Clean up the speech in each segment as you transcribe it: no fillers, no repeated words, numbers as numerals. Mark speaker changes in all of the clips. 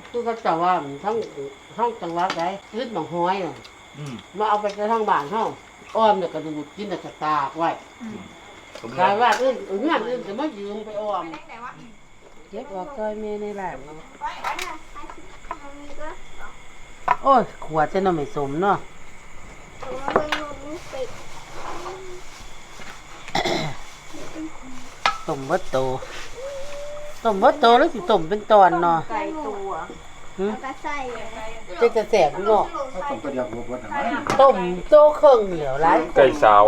Speaker 1: คือเขาจะว่าทั้งจังหวัดไหนยึดหนองห้อยน่ะมาเอาไปทั้งบ้านเฮาอ้อมเนี่ยกระดูกกินแต่จะตากไว้กลายว่าเงื่อนอื่นจะมายืมไปอ้อมเก็บออกซอยเมในแหลมโอ้ยขวดจะน่าไม่สมเนาะต้มเบิดโตแล้วสิต้มเป็นตอนเนาะ
Speaker 2: ไก่ตัวก็ใส่
Speaker 1: จะแสบเนาะ
Speaker 3: ต้มกระยาบวบทำไม
Speaker 1: ต้มโตเครื่องเหนียวหลาย
Speaker 4: ไก่สาว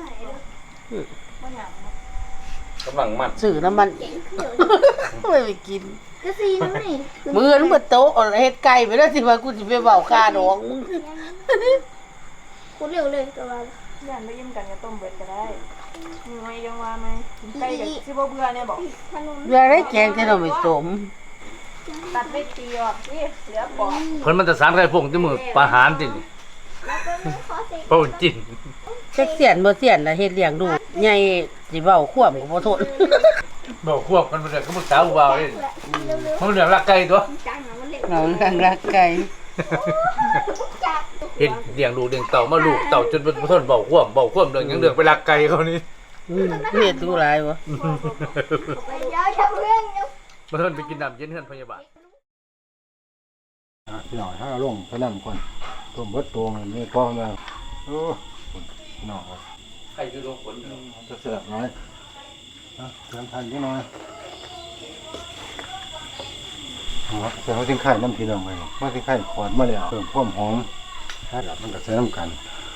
Speaker 4: กำลังมัน
Speaker 1: ซื้อน้ำมันไม่ไปกิน
Speaker 2: ก็ซีนั่นนี่
Speaker 1: มือมันเบิดโตเฮ็ดไก่ไปแล้วสิว่ากูสิไปเว้าค่าดองมึง
Speaker 2: กูเร็วเลยตัว
Speaker 5: ย่านไม่ยิ้มกันจะต้มเบิดก็ได้มีไว้ยังว่าไหมไก่กับซิบเบื่อเนี่ยบอก
Speaker 2: ขนม
Speaker 1: เวลาได้แกงที่เราไม่สม
Speaker 5: ตัดไม่ตีออกนี่เหลือปอก
Speaker 4: เพิ่นมันจะสารไก่พวกที่มือปลาหารติ
Speaker 2: แล้วก็ไม่ขอเซ็ก
Speaker 4: เป้าจิน
Speaker 1: จักเสียนบ่เสียนล่ะเฮ็ดเลี้ยงดูใหญ่สิเว้าควบก็บ่ทน
Speaker 4: บอกควบกันไปเลยก็บ่สาวบ่าวนี่
Speaker 2: เร็ว
Speaker 4: มันเรื่องรักไก่ตัว
Speaker 2: ๆจังมันเร็ว
Speaker 1: เราเรื่องรักไก่
Speaker 2: จับ
Speaker 4: เฮ็ดเลี้ยงลูกเลี้ยงเต่ามาลูกเต่าจนบ่ทนเบาควบเรื่องยังเรื่องไปรักไก่เขานี่
Speaker 1: เฮ็ดดูหลายบ่
Speaker 2: ไปเดี๋ยวจะเรื่องเดี๋ยว
Speaker 4: บ่ทนไปกินน้ำเย็นเฮือนพยาบาล
Speaker 3: พี่หน่อยถ้าลงพนันคนต้มเบิดตัวมันไม่พอมาโอ้หน่อย
Speaker 4: ใครอยู่โรงฝน
Speaker 3: จะเสียบน้อยเติมทันนิดหน่อยใส่หัวทิ้งไข่น้ำพี่น้องไปหัวทิ้งไข่ขวดมาแล้วเพิ่มความหอมถ้าหลับมันก็ใส่น้ำกัน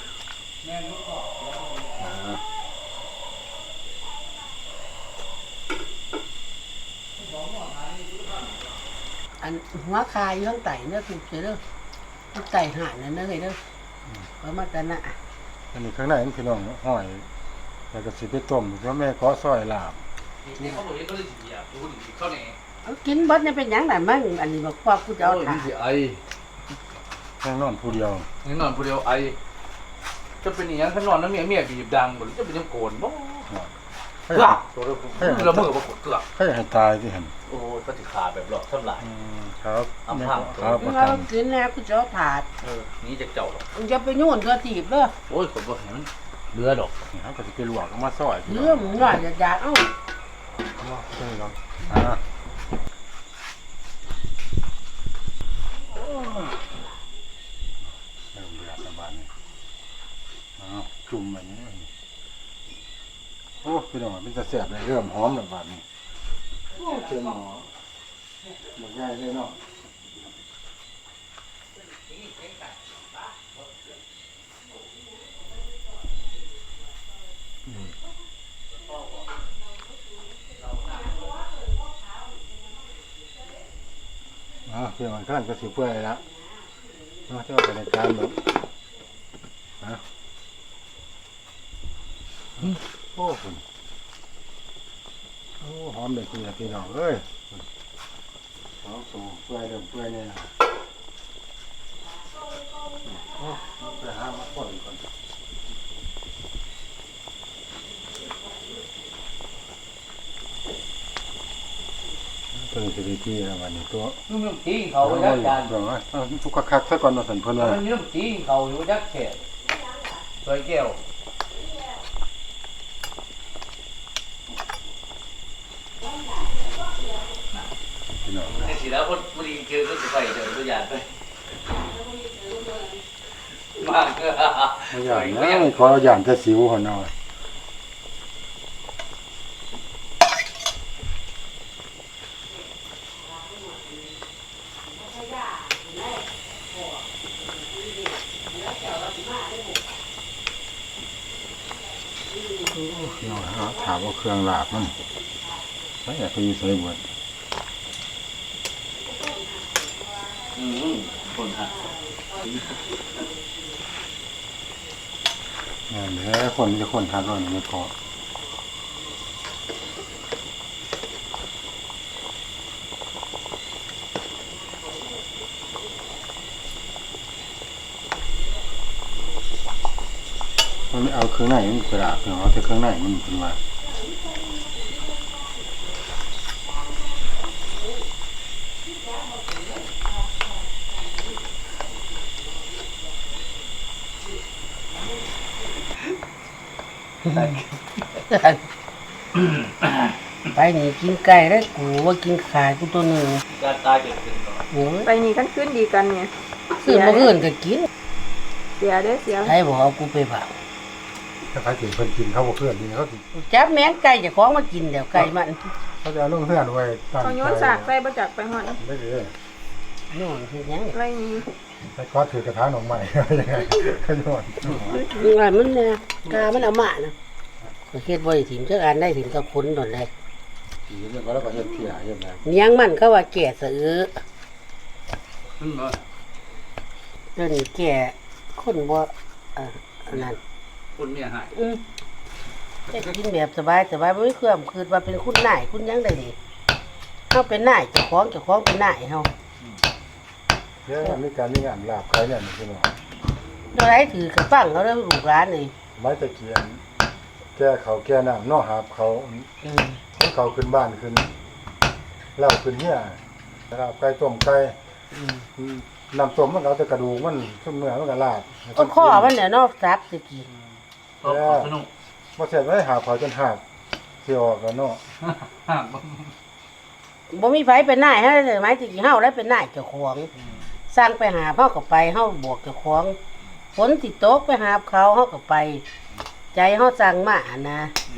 Speaker 1: อันหัวคายอยู่ข้างใต้เด้อถูกเด้อข้างใต้หานนั่นเด้อเด้อประมาณนั้นน่ะ
Speaker 3: อันนี้ข้างในนี่พี่น้องห้อยแล้วก็สิไปต้มเพราะแม่ขอซอยลาบ
Speaker 4: นี่เขาบอกเขาเลยสิอยากรู้ดิเขาแหน่
Speaker 1: เอากินเบิดนี่เป็นหยังล่ะมึงอันนี้บอกว่ากูจะเอาถา
Speaker 4: สิไอ
Speaker 3: แค่นอนผู้เดียว
Speaker 4: นี่นอนผู้เดียวไอจะเป็นอย่างนั้นถ้านอนแล้วเมียบีบดังบ่จะเป็นยังโกนบ่
Speaker 3: ให้
Speaker 4: เกือกตัวเรามือบ่เกือก
Speaker 3: ให้ตายที่เห็น
Speaker 4: โอ้ก็สิขาแบบหลอกทำลาย
Speaker 3: ครับ
Speaker 4: อำพัง
Speaker 3: ครับประ
Speaker 1: เรา
Speaker 3: กัน
Speaker 1: กินแล้วกูจะเอาถาด
Speaker 4: นี่จะเจ้าหรอก
Speaker 1: มึงจะไปโยนเธอถีบเด้อ
Speaker 4: โอ้ยคนบ่เห็นเรือดอก
Speaker 3: เขาก็จะไปลวกมาซอย
Speaker 1: เรื่องมึงว่าอยากเอ้า
Speaker 3: ใช่ครับเริ่มเดือดแล้วบ้านนี้จุ่มแบบนี้โอ้พี่น้องเป็นจะแสบเลยเริ่มหอมแล้วบ้านนี้โอ้เต็มหม้อหมดง่ายเลยเนาะเพื่อนมันขั้นก็สิเพื่อยแล้วมาเที่ยวไปในการแบบโอ้คุณโอ้หอมเลยพี่น้องเอ้ยหอมสูเพื่อยเริ่มเพื่อยเนี่ยโอ้ไปหามาก่อนตัวนี้สิดีที่นะวันนี้ตัว
Speaker 4: นุ่มตีเขายักษ์จาน
Speaker 3: ทุกคักซะก่อนมาสันเพิ่นว่า
Speaker 4: มันนุ่มตีเขาอยู่ยักษ์แขกสวยแก้ว
Speaker 3: พี่น้อง
Speaker 4: ไอ้สีแล้วคนบุรีเจอก็จะไปเจอตัวอย่างไปมากก็
Speaker 3: ไม่อย่างนะขออย่างจะสิวหัวหน่อย ถามว่าเครื่องลาบมันไม่อยากไปอยู่ใส่หมด
Speaker 4: คนฮะ
Speaker 3: เดี๋ยวคนจะคนทานก่อนไม่พอมันไม่เอาเครื่องในมันกระดาษเอาแต่เครื่องในมันเป็นว่า
Speaker 1: ไปนี่กินไก่ได้กูว่ากินขากูตัวหนึ่ง
Speaker 4: การตายเกิดขึ้นก่อน
Speaker 1: โอ้ย
Speaker 5: ไปนี่กันขึ้นดีกันเนี่ย
Speaker 1: ซื้อมาเอื่นก็กิน
Speaker 5: เสียเด้อเสีย
Speaker 1: ใครบอกเอากูไปเผา
Speaker 3: ถ้าใครถึงเพิ่นกินเขาบ่เพื่อนดีเขาสิ
Speaker 1: จับแม่นไก่จะคล้องมากินเดี๋ยวไก่มัน
Speaker 3: เขาจะเอาลงเพื่อนไว้ตั้ง
Speaker 5: เขาโยนสากใส่บ่จักไปฮอด
Speaker 3: ได้เลย
Speaker 1: นู่นคือยัง
Speaker 5: ไรนี่
Speaker 3: ใส่ก้อนถือกระทะหนองใหม่ ยังไงขยอน
Speaker 1: ว่ามันเนี่ยกามันเอามานะก็เฮ็ดบ่ได้ถิ่มจักอันได้ถิ่มกับคนตอนใด
Speaker 3: สีเนี่ยก็แล้วก็เฮ็ดเพียเฮ็ดแล้ว
Speaker 1: เลี้ยงมันเขาว่าแก่สะอื้อ
Speaker 4: ขึ้นมา
Speaker 1: เดี๋ยวนี้แก่คนบ่อันนั้น
Speaker 4: คนเมียหาย
Speaker 1: แต่กินแบบสบายบ่มีความคิดว่าเป็นคุณนายคุณหยังได้ดิเฮาเป็นนายเจ้าของเป็นนายเฮา
Speaker 3: เดี๋ยวมีการมีงานลาบใครเนี่ยพี่น้อง
Speaker 1: เท่าไรถือกระฟังเขาเด้อลูกหลานนี่
Speaker 3: ไม้ตะเคียนแก้เขาแก้น้ำนอหาบเขาเขาขึ้นบ้านขึ้นเหล้าขึ้นเนี่ยนะครับไก่ต้มไก่น้ำต้มมันเอาแต่กระดูกมันซุ่มเนื้อมันก็ลาบ
Speaker 1: ก็ข้อมันเนี่ยเนอกซับสิกิน
Speaker 4: ตบสนุก
Speaker 3: บ่เสร็จไว้หาเขาจนหักสิออกแล้วเนาะ
Speaker 1: บ่มีไผเป็นนายเฮาได้ไหมสิกินเฮาได้เป็นนายเจ้าของสร้างไปหาเฮาก็ไปเฮาบวกเจ้าของฝนสิตกไปหาเขาเฮาก็ไป ใจเฮาสั่งมานะ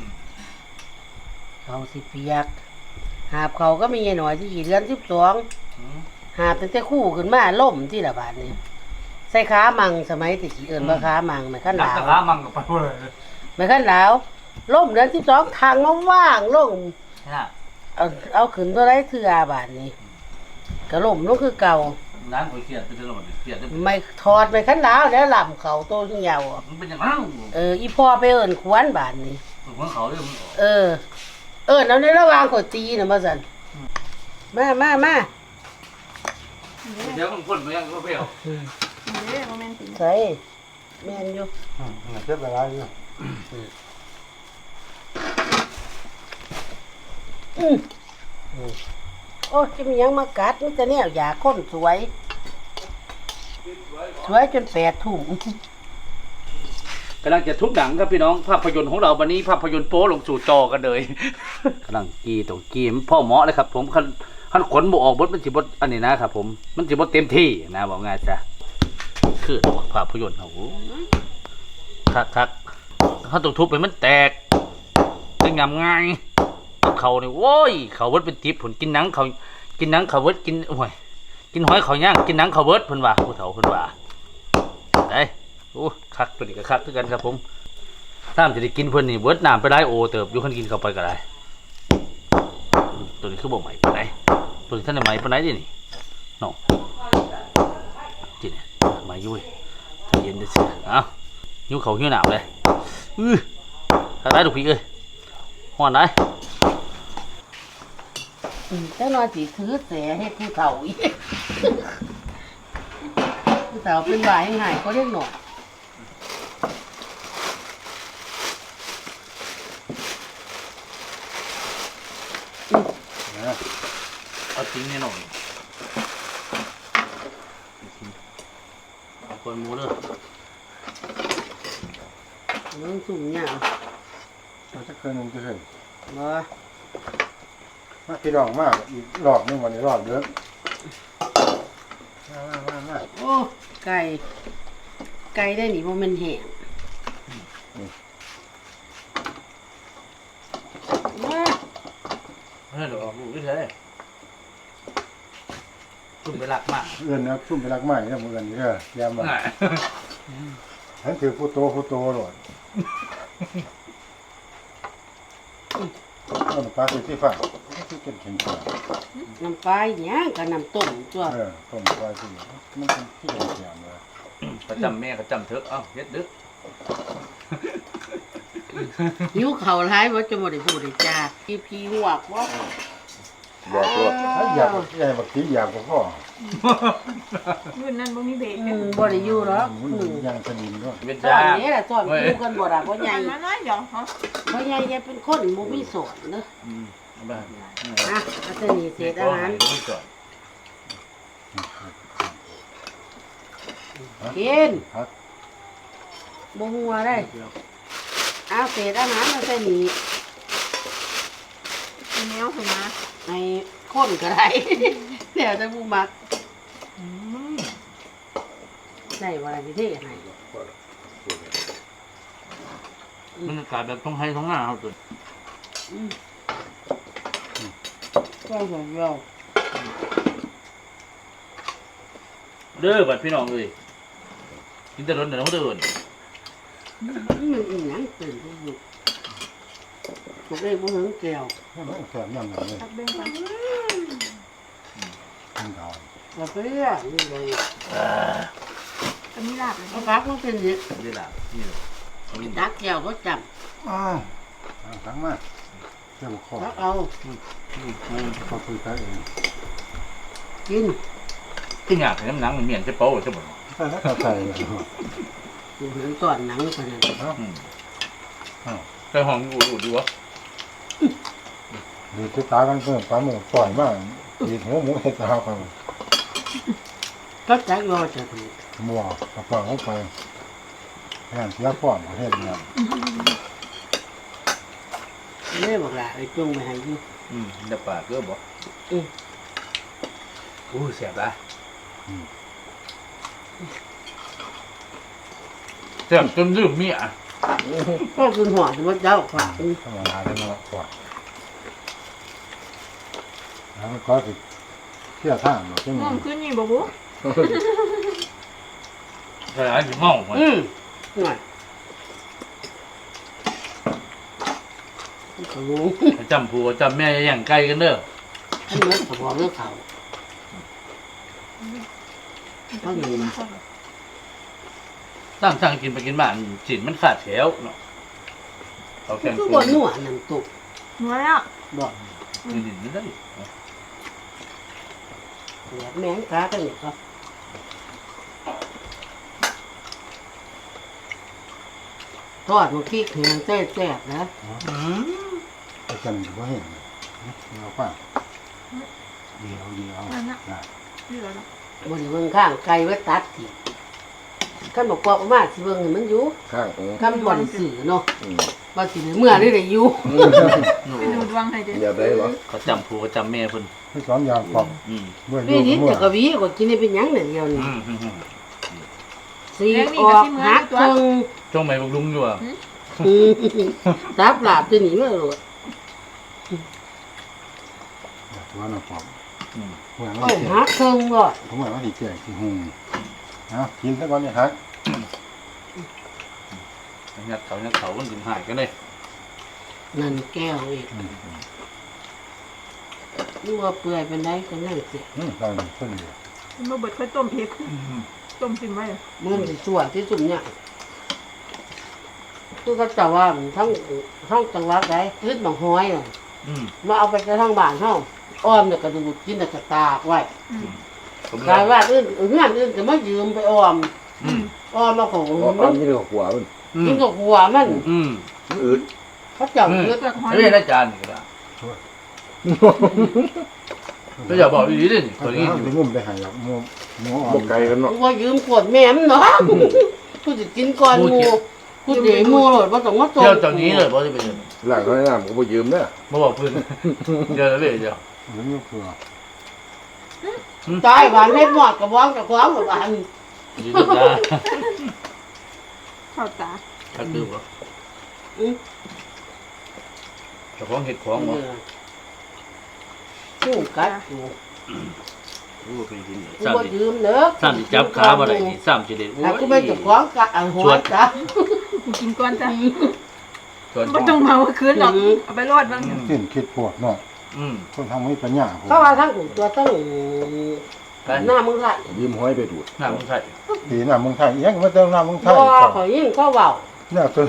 Speaker 1: เขาสิเปียกหาบเขาก็มีหน่อยที่เดือน12หาบตั้งแต่คู่ขึ้นมาล่มที่ละบาดนี้ใส่ขามังสมัยที่สิเอิ้นว่าขามังแม่คัน
Speaker 4: นั
Speaker 1: ห
Speaker 4: ก
Speaker 1: ลาว
Speaker 4: ขามังกับไปเลย
Speaker 1: แม่คันหลาวล่มเดือน12ทางมาว่างลง
Speaker 4: นะ
Speaker 1: เอาขึ้นตัวไรเทือบาทนี้กระล่มลงคือเก่า
Speaker 4: ร้านก๋วยเตี๋ยวเป็นตลอดเตี๋ยว
Speaker 1: ไม่ถอดไปขั้นแล้วแล้วลำเขาโตที่ยาวอะ
Speaker 4: มันเป็นอย่างนั้น
Speaker 1: อีพ่อไปเอิ้นควนบาทนี้
Speaker 4: เหมือนเขาเรื่องมัน
Speaker 1: เอิ้นเอาในระหว่างกดตีน่ะมาสั่นมา
Speaker 4: เดี๋ยวมันพ่นมายังก็เปรี้ยว
Speaker 5: เด้อโมเมนต์สิ
Speaker 1: ใส่แม่นอยู่
Speaker 3: เฮ็ดเวลาอยู่
Speaker 1: โอ้จะมีหยังมากัดมันจะแนวอยากคนสวยจน8 ทุ่ม
Speaker 4: กำลังจะทุบหนังครับพี่น้องภาพยนตร์ของเราวันนี้ภาพยนตร์โป๊ลงสู่จอกันเลยกำลังกีตรงกีมพ่อหมอเลยครับผมขันขนบออกบดมันสิบดอันนี้นะครับผมมันสิบดเต็มที่นะบอกง่ายจ้ะคือภาพยนตร์เขาคักเขาต้องทุบไปมันแตกเป็นงามง่ายเขาเนี่ยโว้ยเขาเวิร์ดเป็นทิพย์ผลกินหนังเขาเวิร์ดกินโอ้ยกินหอยเขาย่างกินหนังเขาเวิร์ดเพิ่นว่าผู้เฒ่าเพิ่นว่าได้โอ้คักตัวนี้ก็คักคือกันครับผมถ้ามันจะได้กินเพิ่นนี่เวิร์ดน้ำไปได้โอเติบอยู่คันกินเข้าไปก็ได้ตัวนี้คือบ่ใหม่ปานใดตัวนี้ท่านได้ใหม่ปานใดดินี่น้องจิเนี่ยใหม่อยู่เว้ยเย็นได้สิเอ้าหิวเขาหิวน้ำเลยถ้าได้ลูกพี่เอ้ยฮ้อนได้
Speaker 1: แต่นอนสิถือแสให้ผู้เฒ่าอีก ผู้เฒ่าเป็นบ่ายหายก็เรียกหน่อย
Speaker 4: เอาจริงแน่นอนเอาคนหมูเด้อ
Speaker 1: น้องสุ่มเนี่ย
Speaker 3: มันจะเคยนึงจะเคย
Speaker 1: บ่
Speaker 3: มาพี่น้องมากอีกรอบนึงวันนี้รอบเด้อมา
Speaker 1: โอ้ไก่ได้หนิบ่แม่นแห้งมา
Speaker 4: เฮ้ยเดี๋ยวออกลูกด้วยเถอะจุ่มไปหลักมาก
Speaker 3: เอื้อนนะซุ่มไปรักใหม่เนี่ยมื้อนี้เด้อยามว่าฉันคือผู้โตโลดเอาน้ำปลาที่ฟ้าที่เป็นแข็ง
Speaker 1: น้ำปลาหยังกับน้ำต้มตัว
Speaker 3: ต้มปลาที่มันเป็นที่แข็งเลย
Speaker 4: เขาจำแม่เขาจำเถอะเอ้าเฮ็ดดึก
Speaker 1: หิวข้าวหลายบ่จะบ่ได้พูดได้จาพี่หวกบ่
Speaker 3: บอกว่าอยากบักตีอยากบ่พอ
Speaker 5: รุ่นนั้นบ่มีเบรก
Speaker 1: บ่ได้อยู่หรอก
Speaker 3: มันยังสนิมด้วย
Speaker 4: เป็น
Speaker 1: ตอย
Speaker 4: าน
Speaker 1: นี้ล่ะตอนอยู่กันบ่ล่ะบ่ใหญ่
Speaker 5: มาน้อยเดี๋ยวฮะ
Speaker 1: บ่ใหญ่จะเป็นคนบ่มีสอนเด้อ
Speaker 4: เอาไป
Speaker 1: อ่ะอาจารย์นี่เศษอาหารกิน
Speaker 3: ครับ
Speaker 1: บ่หัวได้เอาเศษอาหารมาใส่หนี
Speaker 5: มีแนวให้นะ
Speaker 1: ให้คนก็ได้ เดี๋ยวจะผู้มักได้ว่าอะไรที่ให้
Speaker 4: มันกลายแบบต้องให้ท้องหน้าเขาตัว
Speaker 1: ก็หัวเรา
Speaker 4: เด้อบัดพี่น้องเลยกินแต่ร้อนแต่น้องเดิน
Speaker 1: มันอีหยังตื่นทุกอยู่พวกเอ้ยบ่ถึงแก้ว
Speaker 3: ให้มันแซ่บยำหนังเลย
Speaker 5: ตักเบ่งกัน
Speaker 3: กินเอา
Speaker 1: เราไปเรื่อยนี่เลย
Speaker 5: ก็มีลาบเลย
Speaker 1: เอาพักมันเป็นอย่าง
Speaker 4: นี่แหละนี่แหละนี่
Speaker 1: ดักแก้วก็จับ
Speaker 3: อ้าวทั้งมาเจ้าข้อ
Speaker 1: พักเอา
Speaker 3: เขาคุยกันเอง
Speaker 1: กิน
Speaker 4: ที่อยากให้น้ำหนังมันเมียนจะโป้จะหมด
Speaker 3: ใส่แล้วก็ใส่เลย
Speaker 1: อยู่ถึงก่อนหนังขนาดนั้น
Speaker 4: ใส่ห้องอูดดีวะ
Speaker 3: ดีที่ตากันเพิ่มปลาหมึกปล่อยมากดีหัวหมูเห็ดตาไป
Speaker 1: ก็จักรอจะถูก
Speaker 3: มัวกระเป๋าเข้าไปงานเสียก่อนประเทศเนี่ย
Speaker 1: เล่บอกละไอ้จงไปให้อยู่
Speaker 4: เดี๋ยวปากก็บอกอู้เสียบละเสียบจนลืมเมีย
Speaker 1: ก็คือหัวที่ว่าเจ้าฝาก
Speaker 3: ธรรมดาได้มาก่อนแล้วก็สิเที่ยวท่าหมดที่
Speaker 5: ง่
Speaker 3: มั
Speaker 5: วง
Speaker 3: น
Speaker 5: ขึ้นนี่บ่บุ
Speaker 4: ใช่ไหมถึงห้องมัน
Speaker 1: หน่อยก็รู้
Speaker 4: จำผัวจำแม่อย่างไกลกันเด้อ
Speaker 1: อันนี้ก็บอกเรื่องเขาต้องมีนะ
Speaker 4: สั่งกินไปกินบ้านจิตมันขาดแถวเนาะเขาแข่ง
Speaker 1: คือ
Speaker 4: ตั
Speaker 1: บ
Speaker 4: วน
Speaker 1: หัวน้ำตุก
Speaker 5: หัวแล้ว
Speaker 1: บอก
Speaker 4: คือดินไม่ได้
Speaker 1: แมงกากันเนี่ยก็ทอดมันขี้แข็งแซ่บนะ
Speaker 3: ไปกันก็เห็นเราป่ะดีเอาได้
Speaker 5: นี่เหรอบ
Speaker 1: นเมืองข้างไกลไว้ตัดทีขั้นบอกว่าประมาณสิเบิ่งให้มันอยู่
Speaker 6: ข้าง
Speaker 1: ขั้นบ่ได้สื่อเนาะว่าสิเมื่อนี่ได้อยู่
Speaker 5: ไปดูดวงให้เด้
Speaker 6: อย่าได้หรอ
Speaker 4: เขาจำผัวจำแม่เพิ่น
Speaker 3: ที่สอนยางปอกเมื่อ
Speaker 1: นี่
Speaker 3: ยู่
Speaker 1: นี่
Speaker 3: เมื่อ
Speaker 1: จะกะวีก็กินได้เป็นหยังเนี่ยเดียวนี่
Speaker 4: อืม
Speaker 1: สีออกหักครึ่ง
Speaker 4: ช่วงไหนบุกลุงอยู่อ่ะ
Speaker 1: ตับหลาบตัวนี้มาโลด
Speaker 3: ว่าน้ำปอกเมื่อ
Speaker 1: โอ้
Speaker 3: วันที่
Speaker 1: หักครึ่งบ่
Speaker 3: ผมว่าวันที่แก่ที่หุงนะกินซะก่อนเนี่ยฮัก
Speaker 4: ยัดเขามันถึงหายกันเลย
Speaker 1: นั่นแก้วอีกนี่ว่าเปื่อยเป็นไดก็นั่งเสีย
Speaker 3: ตอนนี้ต้นเดียว
Speaker 5: มันบ่เบิดค่อยต้มเผ็ดต้มซิมไว้
Speaker 1: มือสิส่วนที่สุดเนี่ยคือเขาจะว่าทั้งจังหวัดใดขึ้นบางห้อยน่ะมาเอาไปทั้งบ้านเฮาอ้อมเนี่ยก็ดูดกินแต่กระตากไว้กลายว่าอื่นเงื่อนอื่นก็มายืมไปอ้อมมาของ
Speaker 6: อ๋อ
Speaker 1: มัน
Speaker 6: นี่เรื่องหัวมัน
Speaker 1: กินกับหัวมัน
Speaker 6: อืด
Speaker 1: เขาเจ้าเลือด
Speaker 4: ไม่เป็นอาจารย์ก็ได้ก็อย่าบอกดีดิ
Speaker 3: ตั
Speaker 4: ตัว ว
Speaker 3: นี้
Speaker 4: นี้
Speaker 3: ที่งุ่มไปหายหมูอ่
Speaker 6: บ
Speaker 3: อก น
Speaker 6: ไกลกันเนาะ
Speaker 1: ว่ายืมขวดแม่มเนาะกูจะกินก่อนหมูกูเดี๋ยวหมูเลยว่าต้องมาต
Speaker 4: เที่ยวตอนนี้เลยบอกจะไปเจอ
Speaker 6: หลังเขาแนะนำก็ไปยืมเนี่ย
Speaker 4: มาบอกเพื่อนเจอแล้วเว้ยเดี๋ยว
Speaker 3: หรือไม่เผื่อ
Speaker 1: ตายบ้านเล็ดหมอดกับบ้องกับบ้องกับบ้าน
Speaker 4: ยืนได้
Speaker 5: เข้าตา
Speaker 4: ถ้าคือว่าเจ้าของเห็ดของวะ
Speaker 1: สู้กัดอยู่
Speaker 4: รู้เป็นที่นี่
Speaker 1: กู
Speaker 4: สาม
Speaker 1: บ่
Speaker 4: สิ
Speaker 1: ยืมเด้อ
Speaker 4: สามสิจับขาบ่ได้นี่สามสิเด็ด
Speaker 1: ถ้ากูไม่จับของกะหัวจ้ะ
Speaker 5: กูกินก่อนจ้ะ
Speaker 4: ส่วน
Speaker 5: บ่ต้องเมาคืนหรอกเอาไปรอดบ้าง
Speaker 3: กินคิดปวดเนาะคนทำให้ปัญญา
Speaker 1: เขาว่าทั้งตัวตั้งหน้ามึงไทย
Speaker 6: ยืมห้อยไปดูด
Speaker 4: หน้ามึงใส่
Speaker 3: ปีหน้ามึงไทยยังมาเจอหน้ามึงไท
Speaker 1: บ่
Speaker 3: ย
Speaker 1: ขอยยิ่งเขาเว้า
Speaker 3: เนี่ยตัว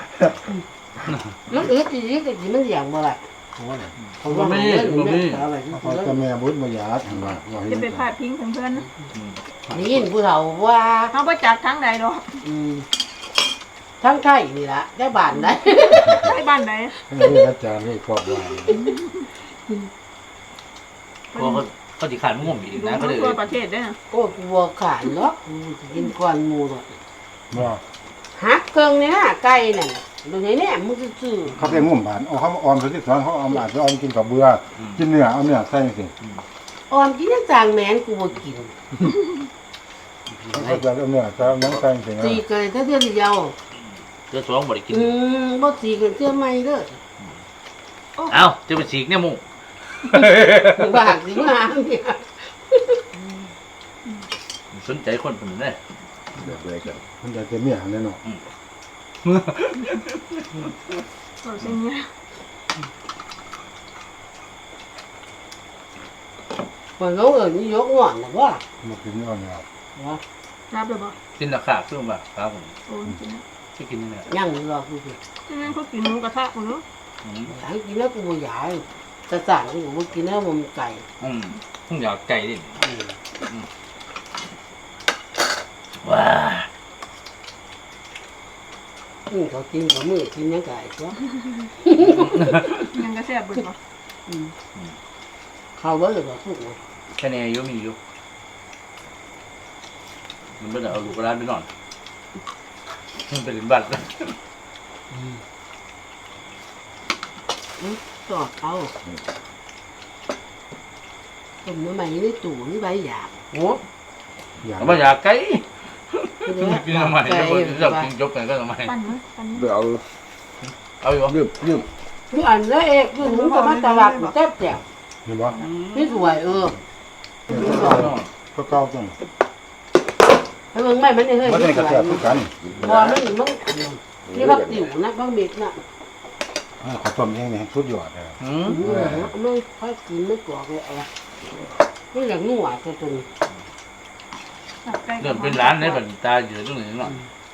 Speaker 1: มันอึดอีกแต่สิมันอย่างบ่ล่ะเขาว่ามันอะไร
Speaker 3: เขาจะแม่บุญมายาทางว่า
Speaker 5: จะไปพาดพิงถึงเพื่อนนะ
Speaker 1: นี่ยินผู้เฒ่าว่า
Speaker 5: เขาบ่จักทั้งใดดอก
Speaker 1: ทั้งไทยนี่ล่ะได้บ้านได้
Speaker 5: ไปบ้านใด
Speaker 3: นี่อาจารย์นี่ครอบว่า
Speaker 4: พอเขาเขาสิขาดม่วงอีกนะ
Speaker 5: ดู
Speaker 4: เขาเลย
Speaker 5: ทั่วประเทศได้นะ
Speaker 1: โอ้กูบ่ขาดหรอกกูสิกินก่อนหมูหรอก
Speaker 3: บ่
Speaker 1: หักเครื่องนี่นะไก่นั่นดูไหนเนี่ยมึงซื่อ
Speaker 3: เขาไปงุ่มบานเอาเขามาออมที่สอนเขาเอามาไปออมกินกับเบื่อกินเนื้อเอาเนื้อใส่สิ
Speaker 1: ๆออมกินยังจางแมนกูบ่กิน
Speaker 3: เขาจะเอาเนื้อจะเอาหนังใส่สิ
Speaker 1: ตีเกยถ้าเดือนเดียว
Speaker 4: เดือดสองบ่ได้กิน
Speaker 1: บ่ตีกันเทื่อใหม่เด้อ
Speaker 4: เอ้าจะไปฉีกเนี่ยมุ่ง
Speaker 1: บ้าสิมาเนี่ย
Speaker 4: สนใจคนคนนั้นแน่
Speaker 6: แบบไรกัน
Speaker 3: มันจะเมียแน่นอน
Speaker 5: เอาเส้นเนี้ย
Speaker 1: เพิ่นเขาเอิ้นนี่ยกงอนน่ะบ่
Speaker 3: มากินเอาเนื้อ
Speaker 1: ว่า
Speaker 5: รับเลยบ่
Speaker 4: กินราคาเครื่องว่าครับผม
Speaker 5: โอ้จริงนะ
Speaker 4: ที่กินเนี่ย
Speaker 1: ยังรอกูสิ
Speaker 5: นั่นเขากินหมูกระทะคนนู้น
Speaker 1: หลังกินแล้วกูบ่อยากจะสั่งกูบ่กินแล้วมันไก่
Speaker 4: ผมอยากไก่ดิว้า
Speaker 1: เขากินเขามือกินยังไก่ตัว
Speaker 5: ยังกระแซ่บเบิดบ่
Speaker 1: เขาเบิ่งบ่ทุกนะ
Speaker 4: แค่นี้อยู่มีอยู่มันไม่ได้เอาลูกร้านไปนอนมันเป็นบัตร
Speaker 1: สอดเอาต้มน้ำใหม่ในตู้นี่ใบหยาบโอ้
Speaker 3: อยาก
Speaker 4: เอามาอยากไก่
Speaker 1: กิน
Speaker 4: กินทำไมเดี๋ยวจะกินจบกันก็ทำไม
Speaker 5: ปั่นมั้ยปั่นมั้ย
Speaker 6: เดี๋ยวเอา
Speaker 4: เอาอยู่
Speaker 6: ยืม
Speaker 1: คืออันนั้นเองคือมึงก็มาตลาดแซ่บแจ่ว
Speaker 3: เห็นบ่
Speaker 1: นี่สวย
Speaker 3: ก็เก่าจัง
Speaker 1: ถ้ามึงไม่มันได้เฮ้ย
Speaker 3: มันเป็นกระแสทุกกัน
Speaker 1: บ่มันมึงนี่พักติ๋วนะพักเม็ดน่ะ
Speaker 3: ข้าวต้มเองนี่สุดยอดเลย
Speaker 1: ไม่ค่อยกินไม่กรอกเลยอะไรไม่อยากนัวตัวตรง
Speaker 5: ตับไก่
Speaker 4: เริ่มเป็นร้านในบันตาอยู่ตรงไหนเนาะ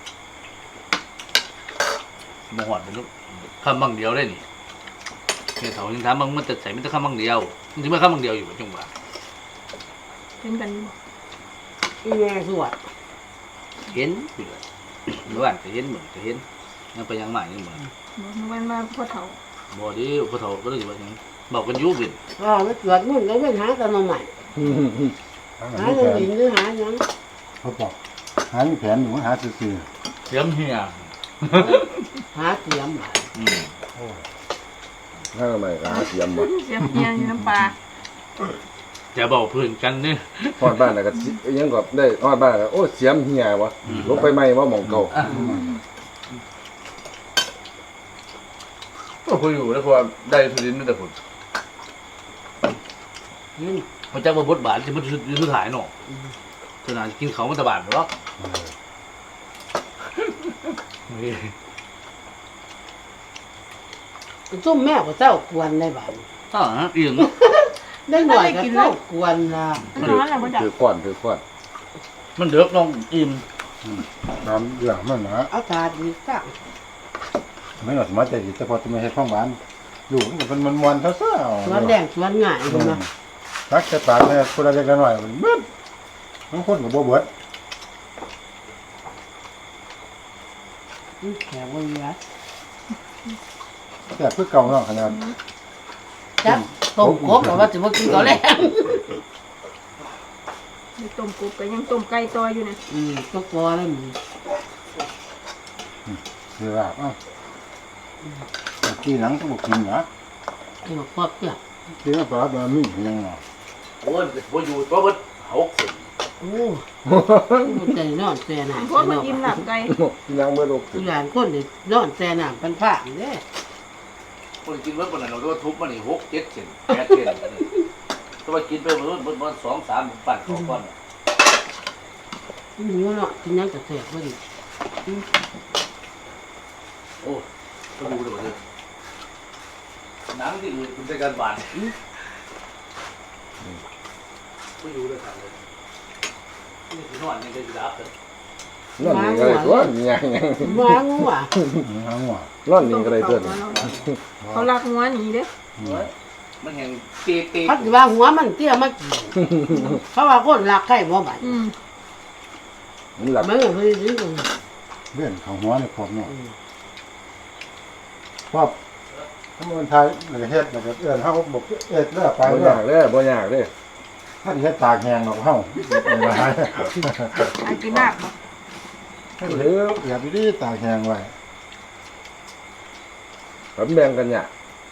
Speaker 4: มหอดเป็นลูกคำบางเดียวได้นี่เฮียเถายังถามมันจะใส่ไม่ต้องคำบางเดียวมันถึงไม่คำบางเดียวอยู่จังหวะ
Speaker 5: เป็นกันอยู่
Speaker 1: อีแม่สวด
Speaker 4: เห็นอยู่เลยเมื่อวานจะเห็นเหมือนจะเห็นยังไปยังใหม่ยังเหมือน
Speaker 5: บ่นึกว่ามาพ่อเฒ่า
Speaker 4: บ่ดีพอเถาก็เลยว่าอย่างบอกกันยุ่บิน
Speaker 1: อ๋อไม่สวดมุ่นแล้วไม่หาตะนมใหม่หา
Speaker 3: หา
Speaker 1: เงินหรือหายัง
Speaker 3: เขาบอกหาแผนอยู่หาซื่อ
Speaker 4: เสียมเฮีย
Speaker 1: หาเตรียม
Speaker 6: ถ้าทำไมก็หาเสียมบ่
Speaker 5: เสียบเฮียอยู่น้ำปลา
Speaker 4: จะบอกเพื่อนกันนี่
Speaker 6: ฮอดบ้านน่ะก็ยังก็ได้ฮอดบ้านก็โอ้เสียมเหี่ยวะลบไปใหม่ว่าหม่องเก่า
Speaker 4: ก็คุยอยู่แล้วพอได้ทุดินแต่ผล
Speaker 1: กิน
Speaker 4: มันจะมาบดบาทที่มันสุดท้ายเนาะขนาดกินเขามันตะบานหรอก
Speaker 1: จุ่มแม่กับเจ้ากวนได้บ้าง
Speaker 4: อ๋ออีกเนาะ
Speaker 1: ได้หน่อยกับเจ้ากวนนะ
Speaker 5: มันร้อนแล้วบ่จัก
Speaker 6: ถือก้อนถือก้อน
Speaker 4: มันเดือกน้องอิ่ม
Speaker 3: ๆตามเรื่องมันนะ
Speaker 1: เอาถาดดีสัก
Speaker 3: ไม่หนอสมัยใจดีแต่พอจะไม่ให้ท้องหวานอยู่มันเป็นมวนๆเท่าเส้า
Speaker 1: สวนแดงสวนง่ายเลยนะ
Speaker 3: รักจะปากให้คนละเล็กละน้อยมันเบิดบางคนก็บ่เบิด
Speaker 1: แขกวันนี้
Speaker 3: แต่เพื่อเก่าเนาะขนาด
Speaker 1: จับต้มกบหรือว่าจะมากินเขาแล้ว
Speaker 5: มีต้มกบก็ยังต้มไก่ต่ออยู่เนี่ย
Speaker 1: ตัวกอแล้วมึง
Speaker 3: คือว่าเอ้าที่หนังก็บ่กินนะ
Speaker 1: ตัวครอบเจ้า
Speaker 3: ที่ว่าปลาบะมียังเนาะ
Speaker 4: โอ้ยบ่อยู่เพราะว่าหกสิบ
Speaker 1: โอ้ใจนอนแซ่หนา
Speaker 5: เพราะมันอิ่มหลับไก่
Speaker 6: ยังเมื่อลก
Speaker 1: ทุกอย่างคนเด็นอนแซ่หนาเป็นผ้าเนี่ย
Speaker 4: คนกินเมื่อวันนั้นเราต้องทุบมันนี่6-7 เซน8 เซนถ้าว่ากินไปมัน2-3 ปั่นของก้อน
Speaker 1: หนูเนาะกินยังจะแซ่บพอดี
Speaker 4: โอ้ก็ดูเลยว่าเด้อหนังที่อื่นคุณได้การบานก็อยู่ด้วยกันเลยนี่คือนอนยังได้รับเลย
Speaker 6: นั่นนี่ก็ได้ตัวยัง
Speaker 1: ว้างัว
Speaker 3: หาหัว
Speaker 6: นั่นนี่ก็ได้ตัว
Speaker 5: เขารักงัวหนีเด้
Speaker 4: มันแห่งเตะ
Speaker 1: เขาจะว่าหัวมันเตี้ยมากินเขาว่าคนรักใครบ่บัด
Speaker 6: มันหลับ
Speaker 1: มันก็เคยซื้อกัน
Speaker 3: เรื่องของหัวนี่ครบเนาะครอบถ้ามันไทยแล้วก็เฮ็ดแล้วก็เอิ้นเฮาบอกเอ็ดแล้วไป
Speaker 6: บ่
Speaker 3: แล้
Speaker 6: ยาว กเด้อบ่ยากเด้อ
Speaker 3: ถ้าที่ให้ตากแห้งหรอกเฮาไม่ได้
Speaker 5: ไอ้กินมากบ่
Speaker 3: ให้เหลืออย่าไปดีตากแห้งไว้
Speaker 6: ผมแบ่งกันเนี่ย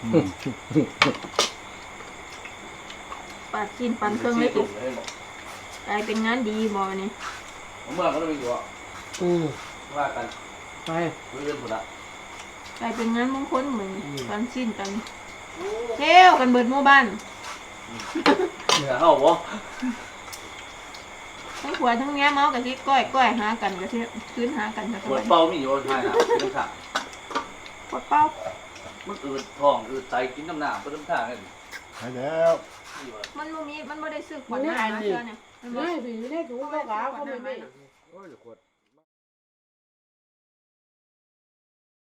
Speaker 5: ปาดกินปันเครื่องเล็กอีกกลายเป็นงานดีบ่นี่
Speaker 4: ผมเมื่อก็ต้องมีอยู่อ่ะ ว่ากัน
Speaker 1: ไป
Speaker 4: เรื่องหมดละ
Speaker 5: กลายเป็นงานมงคลเหมือนปันชิ้นกันเที่ยวกันเบิดหมู่บ้าน
Speaker 4: เหนือเข้าบ่
Speaker 5: ทั้งผัวทั้งเมียเมากันที่ก้อยหากันก็ที่คืนหากันก็
Speaker 4: ปวด
Speaker 5: ไป
Speaker 4: เป้ามีอยู่ใช่นะกินข้าว
Speaker 5: ปวดเป้า
Speaker 4: มันอืดท้องอืดใจกินน้ำหนาเพื่อน้ำทางนี่
Speaker 3: หายแล้ว
Speaker 5: มันบ่มีมันบ่ได้ซื้อขวดน้ำมาเชื่อเนี่ยมันบ่
Speaker 1: ไม่ผีได้ถูกแล้วก็เขาไม่ไม่
Speaker 6: โอ้ยขวด